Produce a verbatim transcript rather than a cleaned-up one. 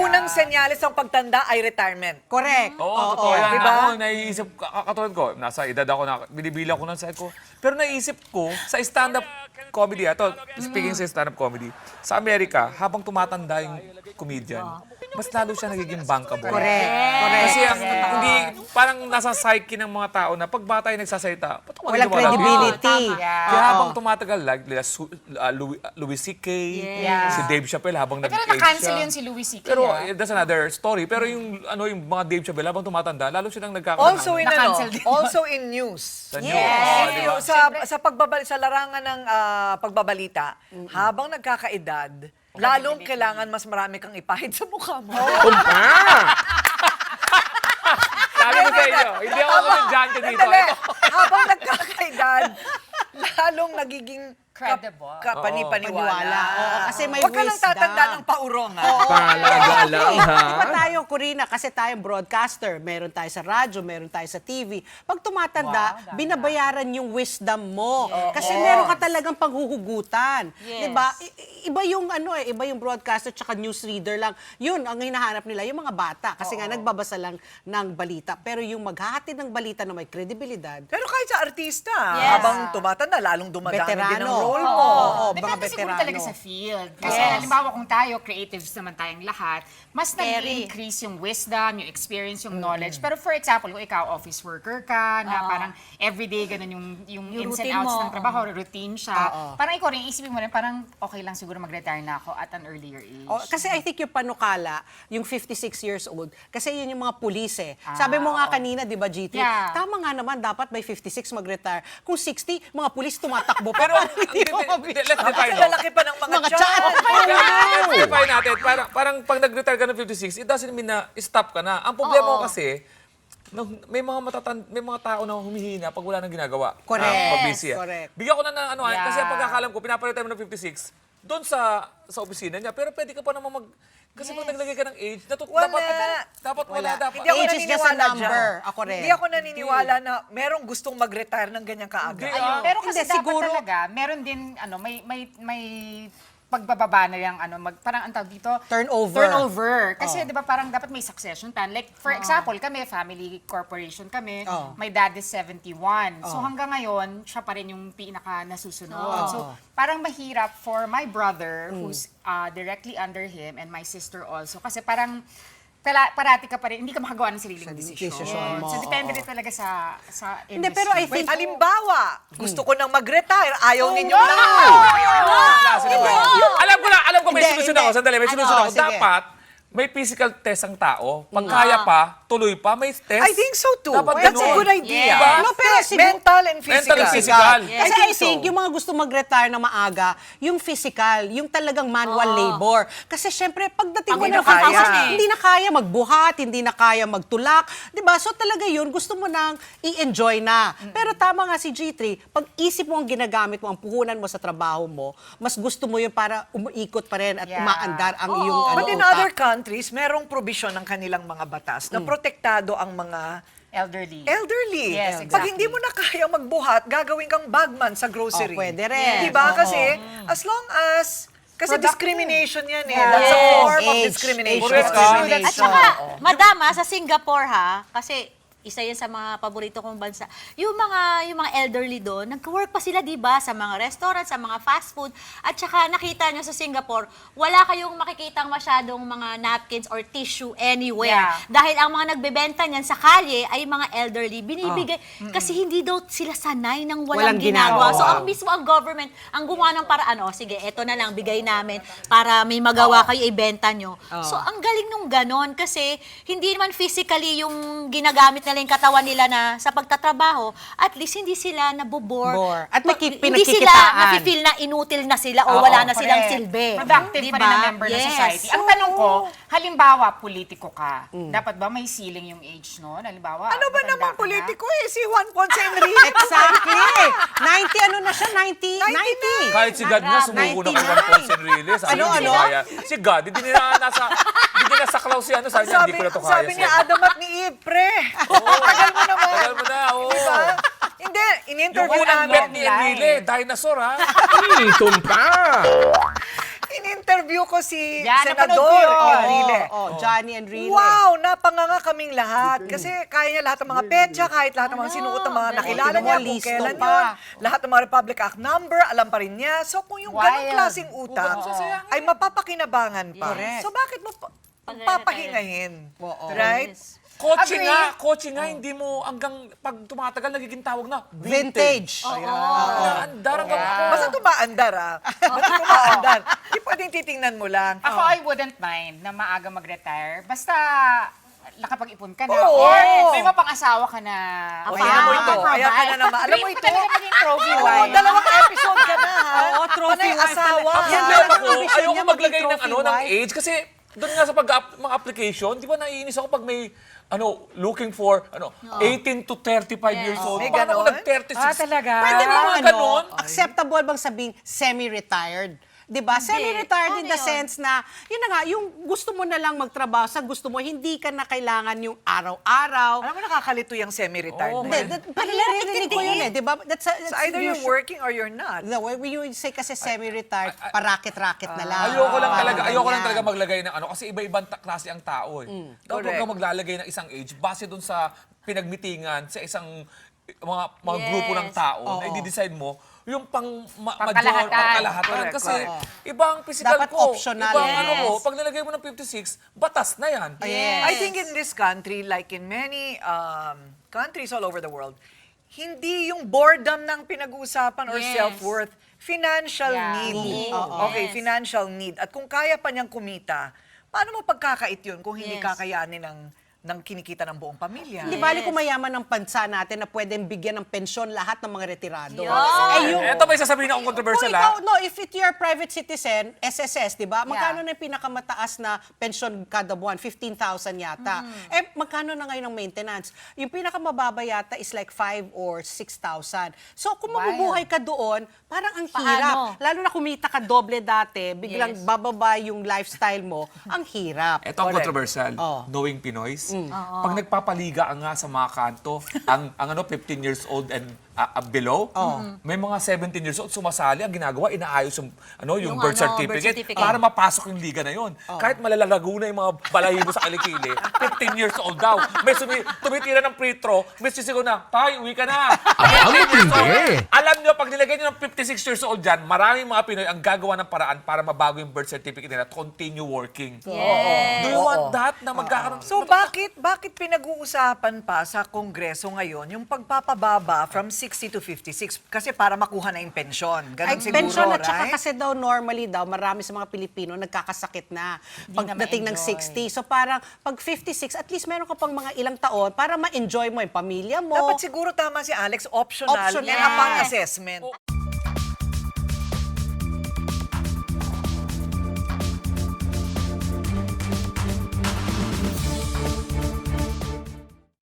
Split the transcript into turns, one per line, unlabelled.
unang senyales ng pagtanda ay retirement.
Correct.
Oo,
Oo,
totoo yan.
diba?
Ako, naiisip, kakatulad ko, nasa edad ako na, binibilang ko ng side ko. Pero naisip ko, sa stand-up comedy, ito, speaking sa stand-up comedy, sa Amerika, habang tumatanda yung comedian, mas lalo siya nagiging bankable.
Correct. Correct.
Kasi ang, hindi, parang nasa psyche ng mga tao na pag bata yung nagsasalita, ba't ako
Walang
hindi lumalaki?
credibility.
Kaya habang tumatagal, like nila, Su- uh, Louis, uh, Louis C K,
Yeah.
si Dave Chappelle habang
Pero
nag-age
na-cancel
siya.
yun si Louis C K.
Pero
ah.
eh, that's another story. Pero yung ano yung mga Dave Chappelle habang tumatanda, lalo silang nagkakaroon.
Also in ano,
Na-cancel din.
also in news.
Sa news.
In
Oo, di ba?
news, sa sa pagbabal sa larangan ng ah, pagbabalita, habang nagkakaedad, lalong kailangan mas marami kang ipahid sa mukha mo.
Sabi ko sa inyo, hindi ako komedyante dito.
Sandali.
Ito.
Habang nagkakaedad, lalong nagiging
Credible.
Kap, kapani-paniwala.
Paniwala. Oo, kasi may
Huwag ka lang
wisdom.
tatanda ng paurong, ha?
Talaga lang, ha?
Di ba tayo, Corina, kasi tayong broadcaster, meron tayo sa radyo, meron tayo sa T V. Pag tumatanda, binabayaran yung wisdom mo. Kasi meron ka talagang panghuhugutan.
Yes.
Di ba? I- i- Iba yung ano eh, iba yung broadcaster tsaka newsreader lang. Yun, ang hinahanap nila, yung mga bata. Kasi nga, nagbabasa lang ng balita. Pero yung maghahatid ng balita na may kredibilidad,
Pero kahit sa artista,
Yes.
habang tumatanda, lalong dumadami din ang
Veterano.
role mo.
Oo, mga
Depende siguro
veterano.
talaga sa field. Kasi halimbawa kung tayo, creatives naman tayong lahat, mas nag-increase yung wisdom, yung experience, yung knowledge. Pero for example, kung ikaw office worker ka, na parang everyday ganun yung, yung,
Yung
ins and
routine
outs
mo.
ng trabaho, routine siya. Parang ikaw rin, isipin mo rin, parang okay lang siguro mag-retire na ako at an earlier age.
Oh, kasi I think yung panukala, yung fifty-six years old, kasi yun yung mga pulis eh. Sabi mo nga kanina, di ba, G T?
Yeah.
Tama nga naman, dapat by fifty-six mag-retire. Kung sixty, mga pulis tumatakbo.
Pero,
Pero hindi mo
hindi, let's define,
Kasi
no?
lalaki pa ng mga,
Mga
tiyan.
tiyan.
Let's define natin. Parang, parang pag nag-retire ka ng fifty-six, it doesn't mean na stop ka na. Ang problema ko kasi, nung- may mga matatan may mga tao na humihina pag wala nang ginagawa.
Correct.
Ah, pag busy. ah.
Correct.
Bigyan ko na ng ano, ah,
Yeah.
kasi ang pagkakalam ko, pinapalitan mo ng fifty-six, doon sa sa opisina niya, pero pwede ka pa naman mag... Kasi pag naglagay ka ng age, natut-
Wala.
dapat, dapat wala,
Wala.
dapat.
Hindi ako
Age is just a
naniniwala
number.
dyan.
Ako rin.
Hindi ako naniniwala na merong gustong mag-retire ng ganyan kaaga.
Hindi,
Ayun.
ah.
Pero kasi
Hindi,
dapat
siguro-
talaga, meron din, ano, may, may, may pagbababa na yung, ano, mag, parang ang tawag dito,
Turnover.
Turnover. Kasi, di ba, parang dapat may succession plan. Like, for example, kami, family corporation kami,
Oh.
my dad is seventy-one. So, hanggang ngayon, siya pa rin yung pinaka nasusunod. So, parang mahirap for my brother, who's uh, directly under him, and my sister also. Kasi parang, tala, parati ka pa rin, hindi ka makagawa ng sariling desisyon.
desisyon mo,
So, depende rin talaga sa, sa industry.
Hindi, pero I
Wait,
think...
halimbawa, gusto ko nang mag-retire, ayaw ninyo na.
Klase naman. Alam ko na, alam ko may
Hindi,
solusyon
hindi.
ako. Sandali, may
Ano?
solusyon ako.
Sige.
Dapat, may physical test ang tao. Pag kaya pa, tuloy pa, may test.
I think so too.
Dapat
That's a
ganun.
good idea.
Diba?
No, pero siguro-
Mental and physical.
Mental and physical.
Kasi
I
I
think
think,
so.
yung mga gusto mag-retire na maaga, yung physical, yung talagang manual labor. Kasi syempre, pagdating mo
Hindi
ng
na kaya.
fifty, hindi na kaya magbuhat, hindi na kaya magtulak. Di ba? So talaga yun, gusto mo nang i-enjoy na. Pero tama nga si G three, pag isip mo ang ginagamit mo, ang puhunan mo sa trabaho mo, mas gusto mo yun para umuikot pa rin at
Yeah.
umaandar ang iyong ano,
But in
utak.
other countries, merong provision ng kanilang mga batas na protektado ang mga
elderly.
elderly.
Yes,
Pag
exactly.
hindi mo na kaya magbuhat, gagawin kang bagman sa grocery.
Oh, pwede rin.
Di ba?
Oo.
Kasi as long as kasi
Productive.
discrimination yan eh.
Yeah.
That's a
Yes.
form of
Age.
discrimination.
Correct, ah.
Discrimination.
At saka, madama, sa Singapore ha, kasi isa yan sa mga paborito kong bansa. Yung mga yung mga elderly doon, nag-work pa sila, 'di ba, sa mga restaurant, sa mga fast food. At saka nakita nyo sa Singapore, wala kayong makikitang masyadong mga napkins or tissue anywhere.
Yeah.
Dahil ang mga nagbebenta niyan sa kalye ay mga elderly. Binibigay kasi hindi daw sila sanay ng walang,
Walang
ginagawa.
ginagawa.
So ang mismo ang government ang gumawa ng paraan, oh, sige, eto na lang bigay namin para may magawa kayo ibenta nyo. So ang galing nung ganon kasi hindi naman physically yung ginagamit nila yung katawan nila na sa pagtatrabaho, at least hindi sila nabobore.
Bore. At may ki-
Hindi sila
pinagkikitaan.
nafe-feel na inutil na sila o
Oo,
wala na silang
correct.
silbi.
Productive pa
Diba?
rin na member ng
Yes.
society. Ang tanong ko, halimbawa, politiko ka. Dapat ba may ceiling yung age, no? Halimbawa,
Ano ba
matanda
namang
ka na.
politiko eh? Si Juan Ponce Enrique.
Exactly. ninety, ano na siya? ninety? ninety.
Kahit si God nga, sumuko na kay Juan Ponce Enrile. Sabi
Ano,
niya, hindi
ano?
ko kaya. Si God, hindi nila nasa, hindi nila saklaw si ano. Sabi niya, hindi ko na to kaya.
sabi ni Adam at ni Eve, pre. Tagal mo naman.
Tagal mo na, oo.
Diba? Hindi,
Yung
in-interview
unang
namin.
bet ni Enrile, dinosaur ha.
Hmm, tumpa!
In-interview ko si
Yan, napanood
Senador
ko yun.
Enrile.
Oo, oo,
Sabi
Bunny and Rene.
Wow! Napanganga kaming lahat. Kasi kaya niya lahat ng mga petsa, kahit lahat ng mga
Ano,
sinuot ng mga
galing.
nakilala
Tingnan mo,
niya, kung
listo
kailan
pa.
yun. Lahat ng mga Republic Act number, alam pa rin niya. So kung yung ganong
Wild.
klaseng utak ay mapapakinabangan pa.
Correct.
So bakit mo pa- papahingahin?
Oo.
Right?
Kotse
Agree.
nga, kotse nga, hindi mo hanggang pag tumatagal, nagiging tawag na
Vintage.
Naandar hanggang
Basta tumaandar, ah. Basta tumaandar. Hindi pwedeng titingnan mo lang.
Ako, I wouldn't mind na maaga mag-retire. Basta nakapag-ipon ka na.
Oo.
Or may mapang-asawa ka na.
O,
pa-
tingnan mo ito.
provide.
Ayan ka na naman. Alam mo
Dream
ito?
ko talaga maging trophy
Oo,
wife.
dalawang episode ka na, ha?
Oo, trophy
Panay
wife
asawa.
talaga. Yan
ha?
Pero
talaga
ako,
ang vision
ayoko
niya,
maglagay
maging
ng
trophy
ano ng
wife.
age kasi doon nga sa pag mga application, di ba naiinis ako pag may ano looking for ano eighteen to thirty-five years old.
May
Paano ako
ganon?
nag-thirty-six?
Ah, talaga?
Pwede
Meron
mo
mga
ano,
ganon.
acceptable bang sabing semi-retired? 'Di ba? Semi-retired in the
Ano yun?
sense na, yun na nga, yung gusto mo na lang magtrabaho sa gusto mo, hindi ka na kailangan yung araw-araw.
Alam mo, nakakalito yung semi-retired
Oo,
na
Hindi,
yun.
that, parang naririnig ko yun eh, 'di ba? That's, a-
So
that's
either you're
usual-
working or you're not.
No, when you say kasi semi-retired, parakit-rakit na lang.
Ayoko lang
Parang
talaga, ayoko lang
ganyan.
talaga maglagay ng ano kasi iba-ibang ta- klase ang tao eh. Dapat huwag
correct.
kang maglalagay ng isang age base dun sa pinagmitingan sa isang eh, mga mga
Yes.
grupo ng tao na
Oo.
i-decide mo yung pang ma-
Pangkalahatan.
major, pangkalahatan.
Correct,
Kasi
correct.
ibang physical
Dapat
ko,
optional.
ibang
Yes.
ano ko, pag nilagay mo ng fifty-six, batas na yan.
Yes.
I think in this country, like in many um, countries all over the world, hindi yung boredom ng pinag-uusapan or
Yes.
self-worth, financial
Yeah.
need.
Need.
Okay,
Yes.
financial need. At kung kaya pa niyang kumita, paano mo pagkakait yun kung hindi
Yes.
kakayanin ng, ng kinikita ng buong pamilya?
Hindi bali kung mayaman ng bansa natin na pwedeng bigyan ng pensyon lahat ng mga retirado.
Yun.
Eh, yung,
Ito may sasabihin akong
kung
controversial
ikaw,
ha.
no, if it, you're a private citizen, S S S, di ba? Magkano na yung pinakamataas na pension kada buwan? fifteen thousand yata. Eh, magkano na ngayon ang maintenance? Yung pinakamababa yata is like five or six thousand. So, kung mabubuhay ka doon, parang ang hirap.
Paano?
Lalo na kumita ka doble dati, biglang
Yes.
bababa yung lifestyle mo, ang hirap.
Ito ang
Correct.
controversial.
Oh.
Knowing Pinoys. Pag nagpapaliga ang nga sa mga kanto, ang, ang ano, fifteen years old and uh, uh, below, may mga seventeen years old sumasali, ang ginagawa, inaayos yung, ano, yung,
Yung
birth,
ano,
certificate,
birth certificate.
para mapasok yung liga na yun. Kahit malalalago na yung mga balahibo sa kilikili, fifteen years old daw. May sumi, tumitira ng free throw, may sisigaw na, tay, uwi ka na.
Ang
fifteen years old.
matindi.
Alam nyo, pag nilagay nyo ng fifty-six years old dyan, maraming mga Pinoy ang gagawa ng paraan para mabago yung birth certificate nila to continue working.
Yes.
Do you want that? Na magkakaroon?
So bakit bakit pinag-uusapan pa sa Kongreso ngayon yung pagpapababa from sixty to fifty-six kasi para makuha na yung pensyon. Ganun
Ay,
siguro,
pension at saka
right?
kasi daw normally daw marami sa mga Pilipino nagkakasakit na pagdating ng
ma-enjoy.
sixty. So parang pag fifty-six, at least meron ka pang mga ilang taon para ma-enjoy mo yung pamilya mo.
Dapat siguro tama si Alex, optional,
Optional.
and upon assessment.